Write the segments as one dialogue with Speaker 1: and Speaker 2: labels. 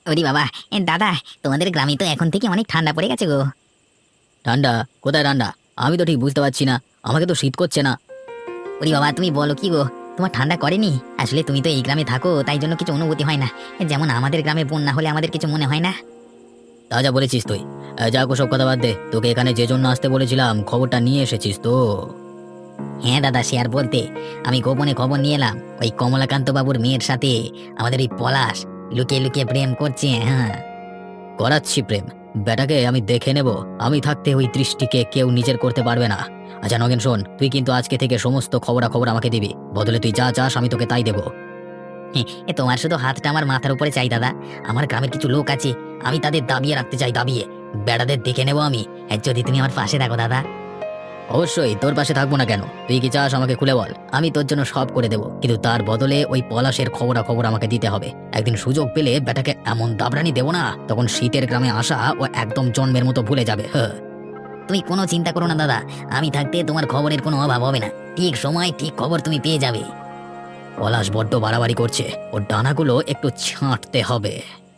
Speaker 1: ওরে বাবা! দাদা, তোমাদের গ্রামে তো এখন থেকে অনেক ঠান্ডা পড়ে গেছে গো।
Speaker 2: ঠান্ডা? কোথায় ঠান্ডা? আমি তো ঠিক বুঝতে পারছি না। আমাকে তো শীত করছে না।
Speaker 1: ওরে বাবা, তুমি বলো কি গো? তোমার ঠান্ডা করেনি? আসলে তুমি তো এই গ্রামে থাকো, তাই জন্য কিছু অনুভূতি হয় না। যেমন আমাদের গ্রামে বন্যা হলে আমাদের কিছু মনে হয় না।
Speaker 2: তা যা বলেছিস তুই। যাক, ওসব কথা বাদ দে। তোকে এখানে যে জন্য আসতে বলেছিলাম, খবরটা নিয়ে এসেছিস তো?
Speaker 1: হ্যাঁ দাদা, সে আর বলতে। আমি গোপনে খবর নিয়ে এলাম, ওই কমলাকান্ত বাবুর মেয়ের সাথে আমাদের ওই পলাশ লুকিয়ে লুকিয়ে প্রেম করছে। হ্যাঁ।
Speaker 2: করাচ্ছি প্রেম? বেটাকে আমি দেখে নেব। আমি থাকতে ওই দৃষ্টিকে কেউ নিজের করতে পারবে না। আচ্ছা নগেন, শোন, তুই কিন্তু আজকে থেকে সমস্ত খবরাখবর আমাকে দিবি। বদলে তুই যা চাস আমি তোকে তাই দেবো।
Speaker 1: তোমার শুধু হাতটা আমার মাথার উপরে চাই দাদা। আমার গ্রামের কিছু লোক আছে, আমি তাদের দাবিয়ে রাখতে চাই, দাবিয়ে। বেড়াদের দেখে নেবো আমি, যদি তুমি আমার পাশে থাকো দাদা।
Speaker 2: অবশ্যই তোর পাশে থাকবো না কেন? তুই কি চাস আমাকে খুলে বল, আমি তোর জন্য সব করে দেবো। কিন্তু তার বদলে ওই পলাশের খবরাখবর আমাকে দিতে হবে। একদিন সুযোগ পেলে বেটাকে এমন দাবরানি দেবো না, তখন শীতের গ্রামে আসা ও একদম জন্মের মতো ভুলে যাবে। হ্যাঁ।
Speaker 1: তুমি কোনো চিন্তা করো না দাদা, আমি থাকতে তোমার খবরের কোনো অভাব হবে না। ঠিক সময় ঠিক খবর তুমি পেয়ে যাবে।
Speaker 2: পলাশ বড্ড বাড়াবাড়ি করছে, ওর ডানাগুলো একটু ছাঁটতে হবে।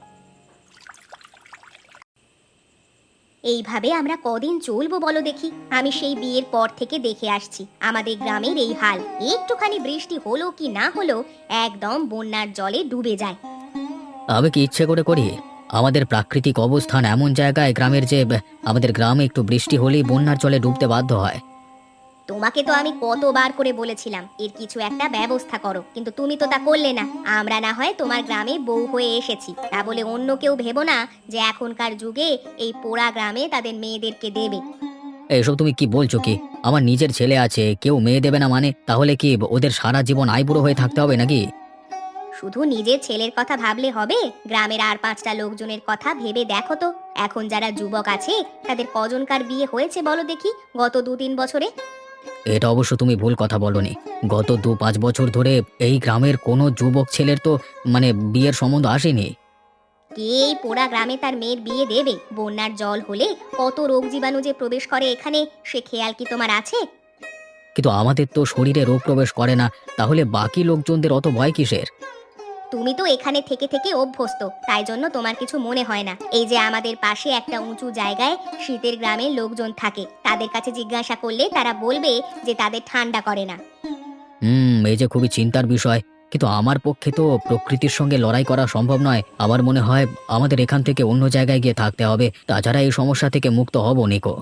Speaker 3: এইভাবে আমরা কদিন চলবো বলো দেখি? আমি সেই বিয়ের পর থেকে দেখে আসছি আমাদের গ্রামের এই হাল। একটুখানি বৃষ্টি হলো কি না হলো, একদম বন্যার জলে ডুবে যায়।
Speaker 2: আমি কি ইচ্ছে করে করি? আমাদের প্রাকৃতিক অবস্থান এমন জায়গায় গ্রামের যে আমাদের গ্রামে একটু বৃষ্টি হলেই বন্যার জলে ডুবতে বাধ্য হয়।
Speaker 3: তোমাকে তো আমি কতবার করে বলেছিলাম এর কিছু একটা ব্যবস্থা করো, কিন্তু তুমি তো তা করলে না। আমরা না হয় তোমার গ্রামে বউ হয়ে এসেছি, তা বলে অন্য কেউ ভেবো না যে এখনকার যুগে এই পোড়া গ্রামে তাদের মেয়েদেরকে দেবে।
Speaker 2: এসব তুমি কি বলছো কি? আমার নিজের ছেলে আছে, কেউ মেয়ে দেবে না মানে? তাহলে কি ওদের সারা জীবন আইবুড়ো হয়ে থাকতে হবে নাকি?
Speaker 3: শুধু নিজের ছেলের কথা ভাবলে হবে? গ্রামের আর পাঁচটা লোকজনের কথা ভেবে দেখো তো। এখন যারা যুবক আছে তাদের কজনকার বিয়ে হয়েছে বলো দেখি গত 2-3 বছরে?
Speaker 2: এটা অবশ্য তুমি ভুল কথা বলনি। গত 2-5 বছর ধরে এই গ্রামের কোনো যুবক ছেলের তো বিয়ের সম্বন্ধ আসেনি।
Speaker 3: কে এই পোড়া গ্রামে তার মেয়ের বিয়ে দেবে? বন্যার জল হলে কত রোগ জীবাণু যে প্রবেশ করে এখানে, সে খেয়াল কি তোমার আছে?
Speaker 2: কিন্তু আমাদের তো শরীরে রোগ প্রবেশ করে না, তাহলে বাকি লোকজনদের অত ভয় কিসের?
Speaker 3: তুমি তো এখানে থেকে থেকে অভ্যস্ত, তাই জন্য তোমার কিছু মনে হয় না। এই যে আমাদের পাশে একটা উঁচু জায়গায় শীতের গ্রামের লোকজন থাকে, তাদের কাছে জিজ্ঞাসা করলে তারা বলবে যে তাদের ঠান্ডা করে না।
Speaker 2: এই যে খুবই চিন্তার বিষয়। কিন্তু আমার পক্ষে তো প্রকৃতির সঙ্গে লড়াই করা সম্ভব নয়। আমার মনে হয় আমাদের এখান থেকে অন্য জায়গায় গিয়ে থাকতে হবে। তাছাড়া এই সমস্যা থেকে মুক্ত হব নিকো।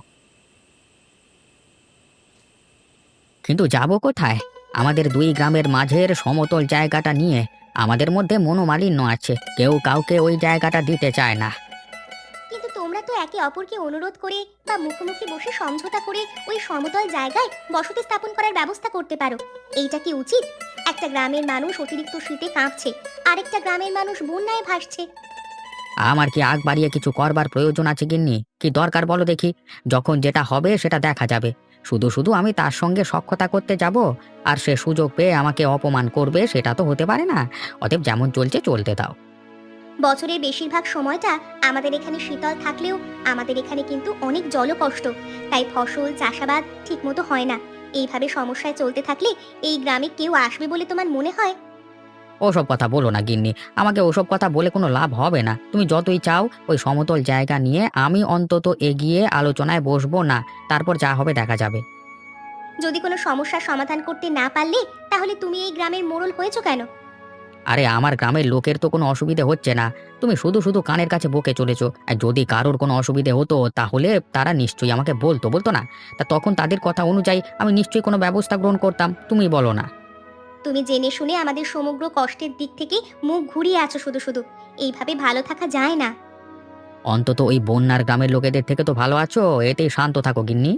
Speaker 1: কিন্তু যাব কোথায়? আমাদের দুই গ্রামের মাঝের সমতল জায়গাটা নিয়ে আমাদের মধ্যে মনোমালিন্য আছে, কেউ কাউকে ওই জায়গাটা দিতে চায় না।
Speaker 3: কিন্তু তোমরা তো একে অপরকে অনুরোধ করে বা মুখোমুখি বসে সমঝোতা করে ওই সমতল জায়গায় বসতি স্থাপন করার ব্যবস্থা করতে পারো। এইটা কি উচিত? একটা গ্রামের মানুষ অতিরিক্ত শীতে কাঁপছে, আরেকটা গ্রামের মানুষ বন্যায় ভাসছে।
Speaker 1: আমার কি আগ বাড়িয়ে কিছু করবার প্রয়োজন আছে গিন্নি? কি দরকার বলো দেখি? যখন যেটা হবে সেটা দেখা যাবে। শুধু শুধু আমি তার সঙ্গে সখ্যতা করতে যাব, আর সে সুযোগ পেয়ে আমাকে অপমান করবে, সেটা তো হতে পারে না। অতএব যেমন চলছে চলতে দাও।
Speaker 3: বছরের বেশিরভাগ সময়টা আমাদের এখানে শীতল থাকলেও আমাদের এখানে কিন্তু অনেক জলকষ্ট, তাই ফসল চাষাবাদ ঠিকমতো হয় না। এইভাবে সমস্যায় চলতে থাকলে এই গ্রামে কেউ আসবে বলে তোমার মনে হয়?
Speaker 1: ওসব কথা বলো না গিন্নি, আমাকে ওসব কথা বলে কোনো লাভ হবে না। তুমি যতই চাও ওই সমতল জায়গা নিয়ে আমি অন্তত এগিয়ে আলোচনায় বসবো না। তারপর যা হবে দেখা যাবে।
Speaker 3: যদি কোনো সমস্যার সমাধান করতে না পারলে তাহলে তুমি এই গ্রামের মোড়ল হয়েছো কেন?
Speaker 1: আরে আমার গ্রামের লোকের তো কোনো অসুবিধে হচ্ছে না, তুমি শুধু শুধু কানের কাছে বকে চলেছো। আর যদি কারোর কোনো অসুবিধে হতো তাহলে তারা নিশ্চয়ই আমাকে বলতো, বলতো না? তা তখন তাদের কথা অনুযায়ী আমি নিশ্চয়ই কোনো ব্যবস্থা গ্রহণ করতাম, তুমি বলো না?
Speaker 3: তুমি জেনে শুনে আমাদের সমগ্র কষ্টের দিক থেকে মুখ ঘুরিয়ে আছো শুধু শুধু। এইভাবে ভালো থাকা যায় না।
Speaker 1: অন্তত ওই বন্যার গ্রামের লোকেদের থেকে তো ভালো আছো, এতেই শান্ত থাকো গিন্নি।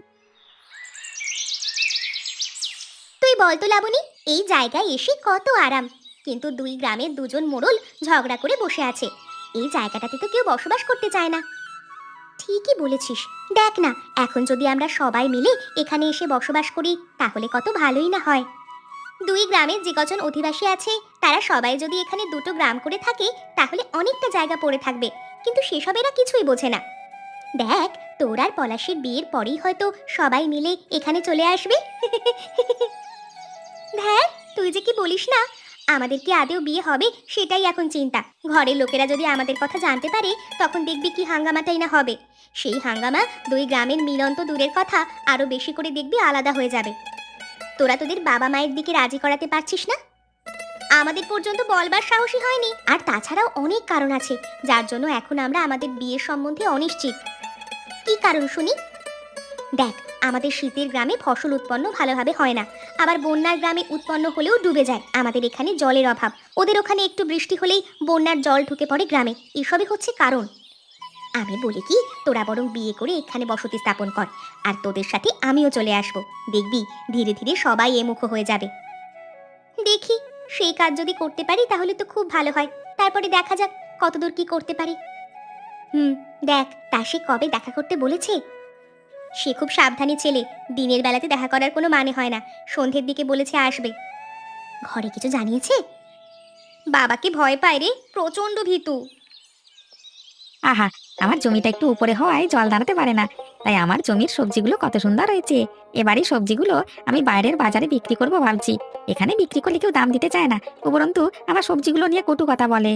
Speaker 3: তুই বল তো লাবণী, এই জায়গায় এসে কত আরাম, কিন্তু দুই গ্রামের দুজন মোড়ল ঝগড়া করে বসে আছে। এই জায়গাটাতে তো কেউ বসবাস করতে চায় না। ঠিকই বলেছিস। দেখ না, এখন যদি আমরা সবাই মিলে এখানে এসে বসবাস করি তাহলে কত ভালোই না হয়। দুই গ্রামের যে কজন অধিবাসী আছে তারা সবাই যদি এখানে দুটো গ্রাম করে থাকে তাহলে অনেকটা জায়গা পড়ে থাকবে, কিন্তু সেসব এরা কিছুই বোঝে না। দেখ, তোর আর পলাশের বিয়ের পরেই হয়তো সবাই মিলে এখানে চলে আসবে। ধ্যার, তুই যে কি বলিস না, আমাদের কি আদেও বিয়ে হবে সেটাই এখন চিন্তা। ঘরের লোকেরা যদি আমাদের কথা জানতে পারে তখন দেখবি কি হাঙ্গামাটাই না হবে। সেই হাঙ্গামা দুই গ্রামের মিলন তো দূরের কথা, আরো বেশি করে দেখবি আলাদা হয়ে যাবে। তোরা তোদের বাবা মায়ের দিকে রাজি করাতে পারছিস না? আমাদের পর্যন্ত বলবার সাহসী হয়নি। আর তাছাড়াও অনেক কারণ আছে যার জন্য এখন আমরা আমাদের বিয়ের সম্বন্ধে অনিশ্চিত। কি কারণ শুনি? দেখ, আমাদের শীতের গ্রামে ফসল উৎপন্ন ভালোভাবে হয় না, আবার বন্যার গ্রামে উৎপন্ন হলেও ডুবে যায়। আমাদের এখানে জলের অভাব, ওদের ওখানে একটু বৃষ্টি হলেই বন্যার জল ঢুকে পড়ে গ্রামে। এসবই হচ্ছে কারণ। আমি বলি কি, তোরা বরং বিয়ে করে এখানে বসতি স্থাপন কর, আর তোদের সাথে আমিও চলে আসব। দেখবি ধীরে ধীরে সবাই এমুখ হয়ে যাবে। দেখি, সেই কাজ যদি করতে পারি তাহলে তো খুব ভালো হয়। তারপরে দেখা যাক কতদূর কি করতে পারি। দেখ, তা সে কবে দেখা করতে বলেছে? সে খুব সাবধানী ছেলে, দিনের বেলাতে দেখা করার কোনো মানে হয় না। সন্ধ্যের দিকে বলেছে আসবে। ঘরে কিছু জানিয়েছে? বাবাকে ভয় পায় রে, প্রচন্ড ভীতু।
Speaker 1: আহা, আমার জমিটা একটু উপরে হওয়ায় জল দাঁড়াতে পারে না, তাই আমার জমির সবজিগুলো কত সুন্দর হয়েছে। এবারই সবজিগুলো আমি বাইরের বাজারে বিক্রি করব ভাবছি। এখানে বিক্রি করলে কেউ দাম দিতে চায় না, উপরন্তু আমার সবজিগুলো নিয়ে কটু কথা বলে।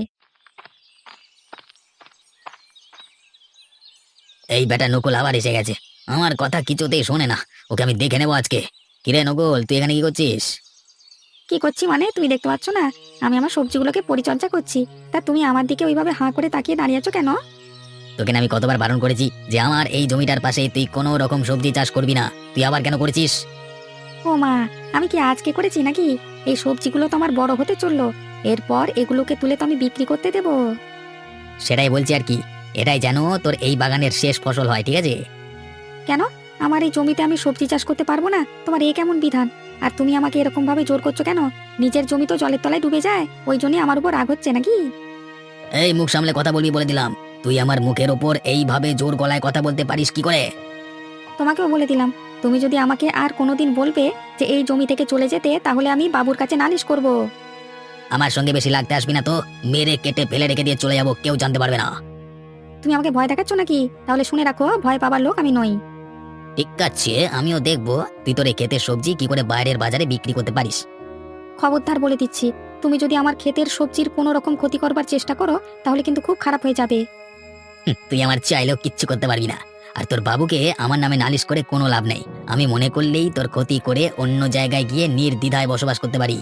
Speaker 2: এই বেটা নকুল আবার এসে গেছে, আমার কথা কিছুতেই শোনে না। ওকে আমি দেখে নেবো আজকে। কিরে নকুল, তুই এখানে কি করছিস?
Speaker 1: কি করছি মানে, তুমি দেখতে পাচ্ছ না আমি আমার সবজিগুলোকে পরিচর্যা করছি? তা তুমি আমার দিকে ওইভাবে হাঁ করে তাকিয়ে দাঁড়িয়ে আছো কেন?
Speaker 2: তোকে না আমি কতবার বারণ করেছি যে আমার এই জমিটার পাশে তুই কোনো রকম সবজি চাষ করবি না, তুই আবার কেন করেছিস?
Speaker 1: ও মা, আমি কি আজকে করেছি নাকি? এই সবজিগুলো তো আমার বড় হতে চললো, এরপর এগুলোকে তুলে তো আমি বিক্রি করতে দেবো।
Speaker 2: সেটাই বলছি আর কি, এটাই যেন তোর এই বাগানের শেষ ফসল হয়, ঠিক আছে?
Speaker 1: কেন, আমার এই জমিতে আমি সবজি চাষ করতে পারবো না? তোমার এ কেমন বিধান? আর তুমি আমাকে এরকম ভাবে জোর করছো কেন? নিজের জমি তো জলের তলায় ডুবে যায়, ওই জন্যই আমার উপর রাগ হচ্ছে নাকি?
Speaker 2: এই মুখ সামলে কথা বলবি বলে দিলাম। তুই আমার মুখের ওপর এইভাবে জোর গলায় কথা বলতে পারিস কি করে?
Speaker 1: তোমাকেও বলে দিলাম, তুমি যদি আমাকে আর কোনোদিন বলবে যে এই জমি থেকে চলে যেতে, তাহলে আমি বাবুর কাছে নালিশ করব।
Speaker 2: আমার সঙ্গে বেশি লাগতে আসবি না তো, মেরে কেটে ফেলে রেখে দিয়ে চলে যাবো, কেউ জানতে পারবে না।
Speaker 1: তুমি আমাকে ভয় দেখাচ্ছ নাকি? তাহলে শুনে রাখো, ভয় পাবার লোক আমি নই।
Speaker 2: ঠিক আছে, আমিও দেখবো তুই তোর এই ক্ষেতের সবজি কি করে বাইরের বাজারে বিক্রি করতে পারিস।
Speaker 1: খবরদার বলে দিচ্ছি, তুমি যদি আমার ক্ষেতের সবজির কোনো রকম ক্ষতি করবার চেষ্টা করো, তাহলে কিন্তু খুব খারাপ হয়ে যাবে।
Speaker 2: তুই আমার চাইলেও কিচ্ছু করতে পারবি না। আর তোর বাবুকে আমার নামে নালিশ করে কোনো লাভ নেই। আমি মনে করলেই তোর ক্ষতি করে অন্য জায়গায় গিয়ে নির্দ্বিধায় বসবাস করতে পারি।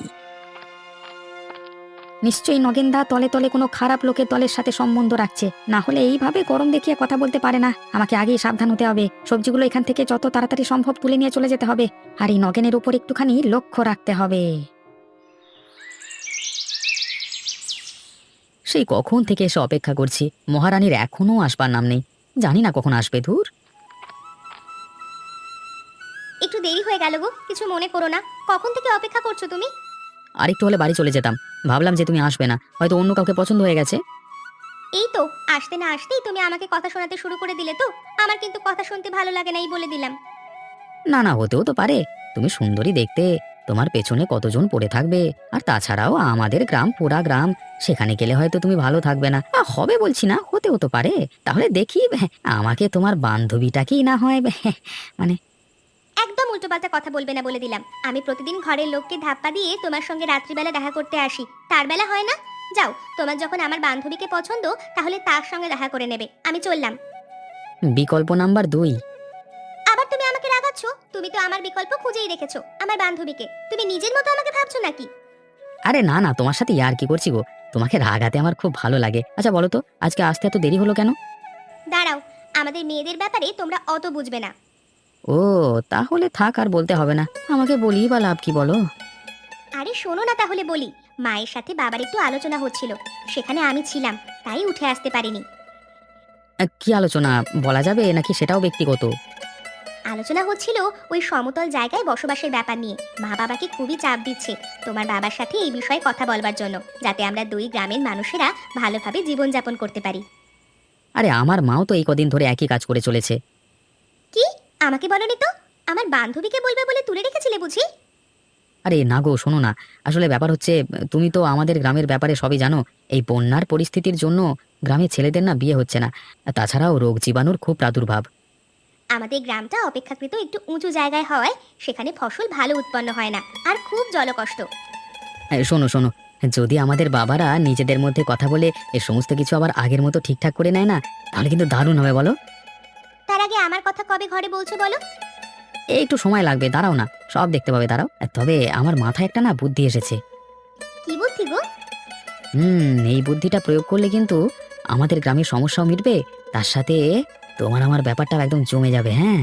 Speaker 1: নিশ্চয়ই নগেনদা তলে তলে কোনো খারাপ লোকের দলের সাথে সম্বন্ধ রাখছে, না হলে এইভাবে গরম দেখিয়ে কথা বলতে পারে না। আমাকে আগেই সাবধান হতে হবে, সবজিগুলো এখান থেকে যত তাড়াতাড়ি সম্ভব তুলে নিয়ে চলে যেতে হবে, আর এই নগেনের উপর একটুখানি লক্ষ্য রাখতে হবে। সেই কখন থেকে এসে অপেক্ষা করছি, মহারানীর এখনো আসবার নাম নেই। জানি না কখন আসবে। ধুর,
Speaker 3: একটু দেরি হয়ে গেল গো, কিছু মনে করো না। কখন থেকে অপেক্ষা করছো তুমি?
Speaker 1: আরেকটু হলে বাড়ি চলে যেতাম, ভাবলাম যে তুমি আসবে না, হয়তো অন্য কাউকে পছন্দ হয়ে গেছে।
Speaker 3: এই তো, আসতে না আসতেই তুমি আমাকে কথা শোনাতে শুরু করে দিলে তো। আমার কিন্তু কথা শুনতে ভালো লাগে না, এই বলে দিলাম।
Speaker 1: না না, হতেও তো পারে, তুমি সুন্দরী দেখতে, তোমার পেছনে কতজন পড়ে থাকবে। আর তাছাড়াও আমাদের গ্রাম পুরা গ্রাম, সেখানে গেলে হয়তো তুমি ভালো থাকবে না। হবে বলছি না, হতেও তো পারে। তাহলে দেখি, আমাকে তোমার বান্ধবীটাকেই না হয় মানে।
Speaker 3: একদম উল্টোপাল্টা কথা বলবে না বলে দিলাম। আমি প্রতিদিন ঘরের লোককে ধাপ্পা দিয়ে তোমার সঙ্গে রাত্রিবেলা দেখা করতে আসি, তার বেলা হয় না? যাও, তোমার যখন আমার বান্ধবীকে পছন্দ তাহলে তার সঙ্গে দেখা করে নেবে। আমি চললাম।
Speaker 1: বিকল্প নাম্বার 2।
Speaker 3: আবার তুমি আমাকে রাগাচ্ছ? তুমি তো আমার বিকল্প খুঁজেই রেখেছো, আমার বান্ধবীকে। তুমি নিজের মতো আমাকে ভাবছো নাকি?
Speaker 1: আরে না না, তোমার সাথে ইয়ার কি করছি গো, তোমাকে রাগাতে আমার খুব ভালো লাগে। আচ্ছা বলো তো, আজকে আসতে এত দেরি হলো কেন?
Speaker 3: দাঁড়াও, আমাদের মেয়েদের ব্যাপারে তোমরা অত বুঝবে না।
Speaker 1: ও, তাহলে থাক, আর বলতে হবে না, আমাকে বলি বা লাভ কি বলো?
Speaker 3: আরে শোনো না, তাহলে বলি। মায়ের সাথে বাবার একটু আলোচনা হচ্ছিল, সেখানে আমি ছিলাম, তাই উঠে আসতে পারিনি।
Speaker 1: কি আলোচনা, বলা যাবে নাকি সেটাও ব্যক্তিগত?
Speaker 3: আলোচনা হচ্ছিল ওই সমতল জায়গায় বসবাসের ব্যাপার নিয়ে। মা বাবাকে খুবই চাপ দিচ্ছে তোমার বাবার সাথে এই বিষয়ে কথা বলবার জন্য, যাতে আমরা দুই গ্রামের মানুষেরা ভালোভাবে জীবনযাপন করতে পারি।
Speaker 1: আরে আমার মাও তো এই কদিন ধরে একই কাজ করে চলেছে।
Speaker 3: কি? আমাকে বলনি তো? আমার বান্ধবীকে বলবে বলে তুলে রেখেছিলে বুঝি?
Speaker 1: আরে না গো, শোনো না, আসলে ব্যাপার হচ্ছে, তুমি তো আমাদের গ্রামের ব্যাপারে সবই জানো। এই বন্যার পরিস্থিতির জন্য গ্রামের ছেলেদের না বিয়ে হচ্ছে না, তাছাড়াও রোগ জীবাণুর খুব প্রাদুর্ভাব।
Speaker 3: আমাদের গ্রামটা অপেক্ষাকৃত একটু উঁচু জায়গায় হওয়ায় সেখানে ফসল ভালো উৎপন্ন হয় না, আর খুব জলকষ্ট।
Speaker 1: শোনো শোনো, যদি আমাদের বাবারা নিজেদের মধ্যে কথা বলে এ সমস্ত কিছু আবার আগের মতো ঠিকঠাক করে নেয় না, তাহলে কিন্তু দারুণ হবে বলো।
Speaker 3: তার আগে আমার কথা কবে ঘরে বলছো বলো?
Speaker 1: এই একটু সময় লাগবে, দাঁড়াও না, সব দেখতে পাবে, দাঁড়াও। তবে আমার মাথায় একটা না বুদ্ধি এসেছে।
Speaker 3: কি বুদ্ধি গো?
Speaker 1: এই বুদ্ধিটা প্রয়োগ করলে কিন্তু আমাদের গ্রামের সমস্যাও মিটবে, তার সাথে তোমার আমার ব্যাপারটা একদম জমে যাবে। হ্যাঁ,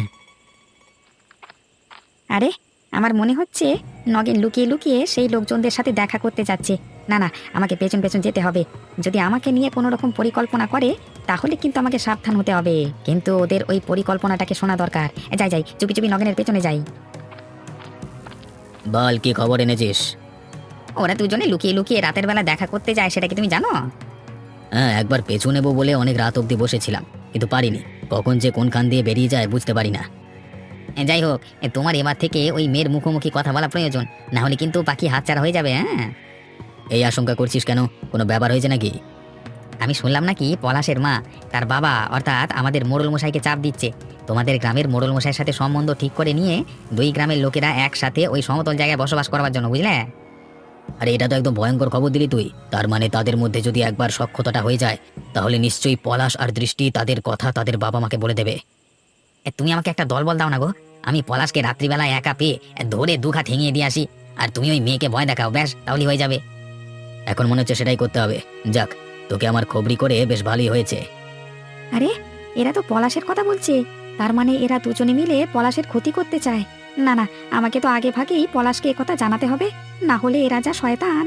Speaker 1: আরে আমার মনে হচ্ছে নগেন লুকিয়ে লুকিয়ে সেই লোকজনদের সাথে দেখা করতে যাচ্ছে। না না, আমাকে পেছন পেছন যেতে হবে। যদি আমাকে নিয়ে কোনো রকম পরিকল্পনা করে তাহলে কিন্তু আমাকে সাবধান হতে হবে, কিন্তু ওদের ওই পরিকল্পনাটাকে শোনা দরকার। যাই যাই, চুপি চুপি নগেনের পেছনে যাই।
Speaker 2: বল, কি খবর এনেছিস?
Speaker 1: ওরা দুজনে লুকিয়ে লুকিয়ে রাতের বেলা দেখা করতে যায়, সেটা কি তুমি জানো?
Speaker 2: হ্যাঁ, একবার পেছু নেবো বলে অনেক রাত অবধি বসেছিলাম, কিন্তু পারিনি। কখন যে কোন খান দিয়ে বেরিয়ে যায় বুঝতে পারি না।
Speaker 1: যাই হোক, তোমার এবার থেকে ওই মেয়ের মুখোমুখি কথা বলা প্রয়োজন, না হলে কিন্তু পাখি হাতছাড়া হয়ে যাবে। হ্যাঁ,
Speaker 2: এই আশঙ্কা করছিস কেন? কোনো ব্যাপার হয়েছে নাকি?
Speaker 1: আমি শুনলাম নাকি পলাশের মা তার বাবা অর্থাৎ আমাদের মোড়ল মশাইকে চাপ দিচ্ছে তোমাদের গ্রামের মোড়ল মশাইয়ের সাথে সম্বন্ধ ঠিক করে নিয়ে দুই গ্রামের লোকেরা একসাথে ওই সমতল জায়গায় বসবাস করবার জন্য, বুঝলে?
Speaker 2: আরে এটা তো একদম ভয়ঙ্কর খবর দিলি তুই। তার মানে তাদের মধ্যে যদি একবার সখ্যতাটা হয়ে যায়, তাহলে নিশ্চয়ই পলাশ আর দৃষ্টি তাদের কথা তাদের বাবা মাকে বলে দেবে।
Speaker 1: তুমি আমাকে একটা দলবল দাও না গো, আমি পলাশকে রাত্রিবেলায় একা পেয়ে ধরে দুঘা ঠেঙিয়ে দিয়ে আসি, আর তুমি ওই মেয়েকে ভয় দেখাও, ব্যাস তাহলেই হয়ে যাবে।
Speaker 2: এখন মনে হচ্ছে সেটাই করতে হবে। যাক, তোকে আমার খবরি করে বেশ ভালোই হয়েছে।
Speaker 1: আরে এরা তো পলাশের কথা বলছে, তার মানে এরা দুজনে মিলে পলাশের ক্ষতি করতে চায়। না না, আমাকে তো আগে ভাগেই পলাশকে একথা জানাতে হবে, না হলে এরা যা শয়তান।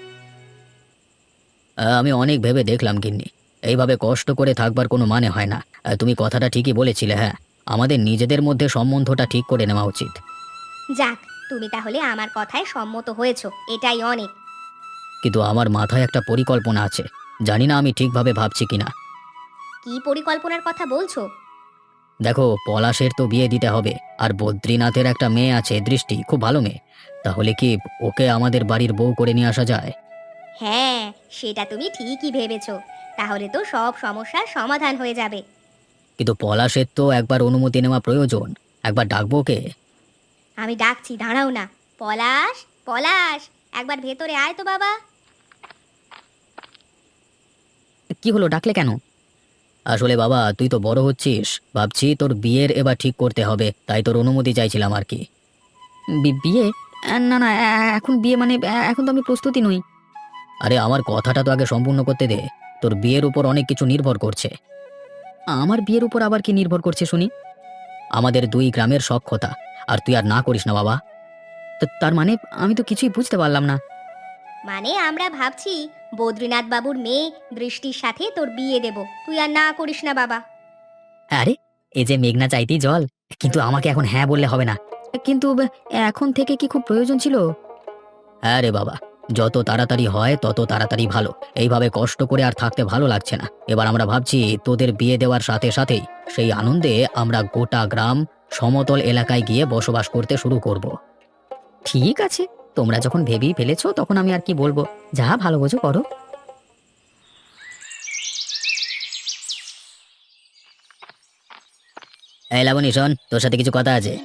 Speaker 2: আমি অনেক ভেবে দেখলাম গিন্নি, এইভাবে কষ্ট করে থাকবার কোনো মানে হয় না। তুমি কথাটা ঠিকই বলেছিলে। হ্যাঁ, আমাদের নিজেদের মধ্যে সম্বন্ধটা ঠিক করে নেওয়া উচিত।
Speaker 3: যাক, তুমি তাহলে আমার কথায় সম্মত হয়েছো, এটাই অনেক।
Speaker 2: কিন্তু আমার মাথায় একটা পরিকল্পনা আছে, জানি না আমি ঠিকভাবে ভাবছি কিনা।
Speaker 3: কি পরিকল্পনার কথা বলছো?
Speaker 2: দেখো, পলাশের তো বিয়ে দিতে হবে, আর বদ্রীনাথের একটা মেয়ে আছে দৃষ্টি, খুব ভালো মেয়ে। তাহলে কি ওকে আমাদের বাড়ির বউ করে নিয়ে আসা যায়?
Speaker 3: হ্যাঁ, সেটা তুমি ঠিকই ভেবেছো। তাহলে তো সব সমস্যার সমাধান হয়ে যাবে।
Speaker 2: কিন্তু পলাশের তো একবার অনুমতি নেওয়া প্রয়োজন। একবার ডাকবো ওকে।
Speaker 3: আমি ডাকছি, দাঁড়াও না। পলাশ, পলাশ, একবার ভেতরে আয় তো বাবা।
Speaker 1: কি হলো, ডাকলে কেন?
Speaker 2: আসলে বাবা, তুই তো বড় হচ্ছিস, ভাবছি তোর বিয়ের এবার ঠিক করতে হবে, তাই তোর অনুমতি চাইছিলাম আর কি।
Speaker 1: বিয়ে? না না, এখন বিয়ে মানে এখন তো আমি প্রস্তুতি নই।
Speaker 2: আরে আমার কথাটা তো আগে সম্পূর্ণ করতে দে। তোর বিয়ের উপর অনেক কিছু নির্ভর করছে।
Speaker 1: আমার বিয়ের উপর আবার কি নির্ভর করছে শুনি?
Speaker 2: আমাদের দুই গ্রামের সখ্যতা। আর তুই আর না করিস না বাবা।
Speaker 1: তার মানে আমি তো কিছুই বুঝতে পারলাম না।
Speaker 3: মানে আমরা ভাবছি বদ্রীনাথ বাবুর মেয়ে দৃষ্টির সাথে তোর বিয়ে দেব, তুই আর না করিস না বাবা।
Speaker 1: আরে এই যে মেঘনা চাইতেই জল, কিন্তু আমাকে এখন হ্যাঁ বললে হবে না। কিন্তু এখন থেকে কি খুব প্রয়োজন ছিল?
Speaker 2: হ্যাঁ রে বাবা, যত তাড়াতাড়ি হয় তত তাড়াতাড়ি ভালো। এইভাবে কষ্ট করে আর থাকতে ভালো লাগছে না। এবার আমরা ভাবছি তোদের বিয়ে দেওয়ার সাথে সাথেই সেই আনন্দে আমরা গোটা গ্রাম সমতল এলাকায় গিয়ে বসবাস করতে শুরু করব।
Speaker 1: ঠিক আছে, তোমরা যখন ভেবেই ফেলেছো তখন আমি আর কি বলবো, যা ভালো বোঝো করো।
Speaker 2: এই লাবণী, শোন, তোর সাথে কিছু কথা আছে।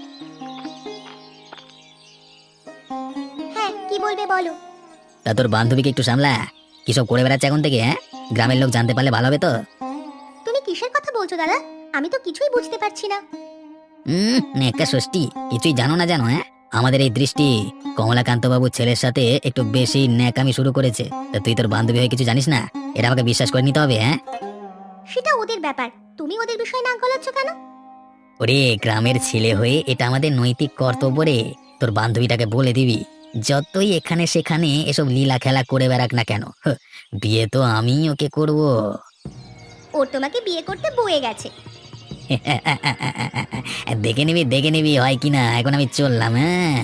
Speaker 3: হ্যাঁ, কি বলবে বলো।
Speaker 2: তা তোর বান্ধবীকে একটু সামলা। কিসব করে বেড়াচ্ছে এখন থেকে? হ্যাঁ, গ্রামের লোক জানতে পারলে ভালো হবে তো।
Speaker 3: তুমি কিসের কথা বলছো দাদা? আমি তো কিছুই বুঝতে পারছি না।
Speaker 2: একটা ষষ্ঠী, কিছুই জানো না জানো? হ্যাঁ, আমাদের এই দৃষ্টি কমলাকান্ত বাবুর ছেলের সাথে একটু বেশি ন্যাকামি শুরু করেছে। তা তুই তোর বান্ধবী হয়ে কিছু জানিস না? এটা আমাকে বিশ্বাস করে নিতে হবে। হ্যাঁ,
Speaker 3: সেটা ওদের ব্যাপার, তুমি ওদের বিষয়ে নাক গলাচ্ছ কেন?
Speaker 2: ওরে গ্রামের ছেলে হয়ে এটা আমাদের নৈতিক কর্তব্য রে। তোর বান্ধবীটাকে বলে দিবি, যতই এখানে সেখানে এসব লীলা খেলা করে বেড়াক না কেন, বিয়ে তো আমি ওকে করব।
Speaker 3: ওর তোমাকে বিয়ে করতে বয়ে গেছে।
Speaker 2: দেখে নিবি দেখে নিবি হয় কিনা। এখন আমি চললাম। হ্যাঁ,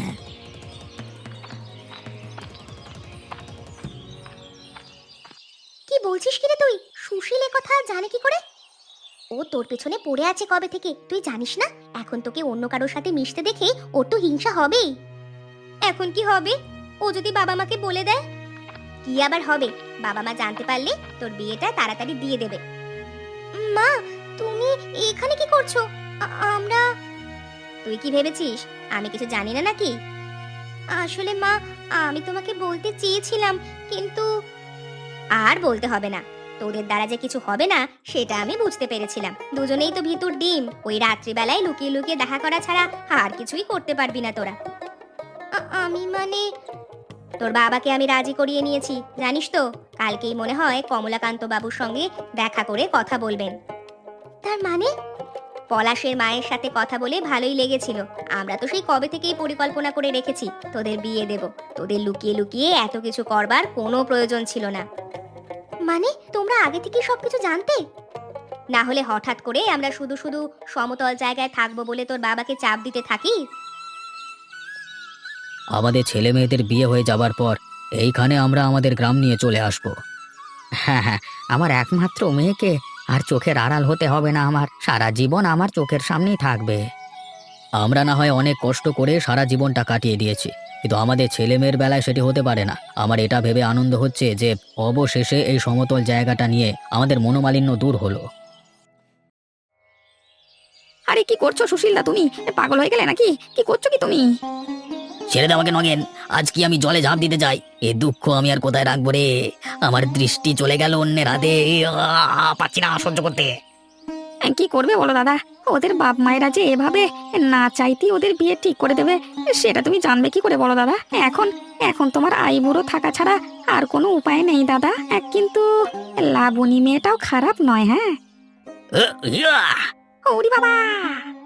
Speaker 3: কি বলছিস কিরে তুই? সুশীল এ কথা জানে কি করে? ও তোর পেছনে পড়ে আছে কবে থেকে তুই জানিস না? এখন তোকে অন্য কারোর সাথে মিশতে দেখে ওর তো হিংসা হবেই। এখন কি হবে? ও যদি বাবা মাকে বলে দেয়? কি আবার হবে? বাবা মা জানতে পারলে তোর বিয়েটা তাড়াতাড়ি দিয়ে দেবে। মা, তুমি এখানে কি করছো? আমরা... তুই কি ভেবেছিস আমি কিছু জানি না নাকি? আসলে মা, আমি তোমাকে বলতে চেয়েছিলাম, কিন্তু আর বলতে হবে না। তোদের দ্বারা যে কিছু হবে না সেটা আমি বুঝতে পেরেছিলাম। দুজনেই তো ভিতুর ডিম, ওই রাত্রিবেলায় লুকিয়ে লুকিয়ে দেখা করা ছাড়া আর কিছুই করতে পারবি না তোরা। আমি মানে, তোর বাবাকে আমি রাজি করিয়ে নিয়েছি, জানিস তো। কালকেই মনে হয় কমলাকান্ত বাবুর সঙ্গে দেখা করে কথা বলবেন। তার মানে? পলাশের মায়ের সাথে কথা বলে ভালোই লেগেছিল। আমরা তো সেই কবে থেকেই পরিকল্পনা করে রেখেছি তোদের বিয়ে দেব। তোদের লুকিয়ে লুকিয়ে এত কিছু করবার কোনো প্রয়োজন ছিল না। মানে তোমরা আগে থেকেই সবকিছু জানতে? না হলে হঠাৎ করে আমরা শুধু শুধু সমতল জায়গায় থাকবো বলে তোর বাবাকে চাপ দিতে থাকি?
Speaker 2: আমাদের ছেলে মেয়েদের বিয়ে হয়ে যাবার পর এইখানে আমরা আমাদের গ্রাম নিয়ে চলে আসব।
Speaker 1: হ্যাঁ হ্যাঁ, আমার একমাত্র মেয়েকে আর চোখের আড়াল হতে হবে না, আমার সারা জীবন আমার চোখের সামনেই থাকবে।
Speaker 2: আমরা না হয় অনেক কষ্ট করে সারা জীবনটা কাটিয়ে দিয়েছি, কিন্তু আমাদের ছেলে মেয়ের বেলায় সেটি হতে পারে না। আমার এটা ভেবে আনন্দ হচ্ছে যে অবশেষে এই সমতল জায়গাটা নিয়ে আমাদের মনোমালিন্য দূর হলো।
Speaker 1: আরে কি করছো সুশীলদা, তুমি পাগল হয়ে গেলে নাকি? কি করছো কি তুমি?
Speaker 2: ছেড়ে দে আমাকে নগেন, আজ কি আমি জলে ঝাঁপ দিতে যাই? এ দুঃখ আমি আর কোথায় রাখবো রে? আমার দৃষ্টি চলে গেল অন্যের হাতে, পাচ্ছি না সহ্য করতে।
Speaker 1: কি করবে বলো দাদা, ওদের বাপ মায়েরা যে এভাবে না চাইতেই ওদের বিয়ে ঠিক করে দেবে, সেটা তুমি জানবে কি করে বলো দাদা? এখন এখন তোমার আইবুড়ো থাকা ছাড়া আর কোনো উপায় নেই দাদা। কিন্তু লাবণী মেয়েটাও খারাপ নয়, হ্যাঁ।
Speaker 2: ইয়া!
Speaker 1: ওরে বাবা!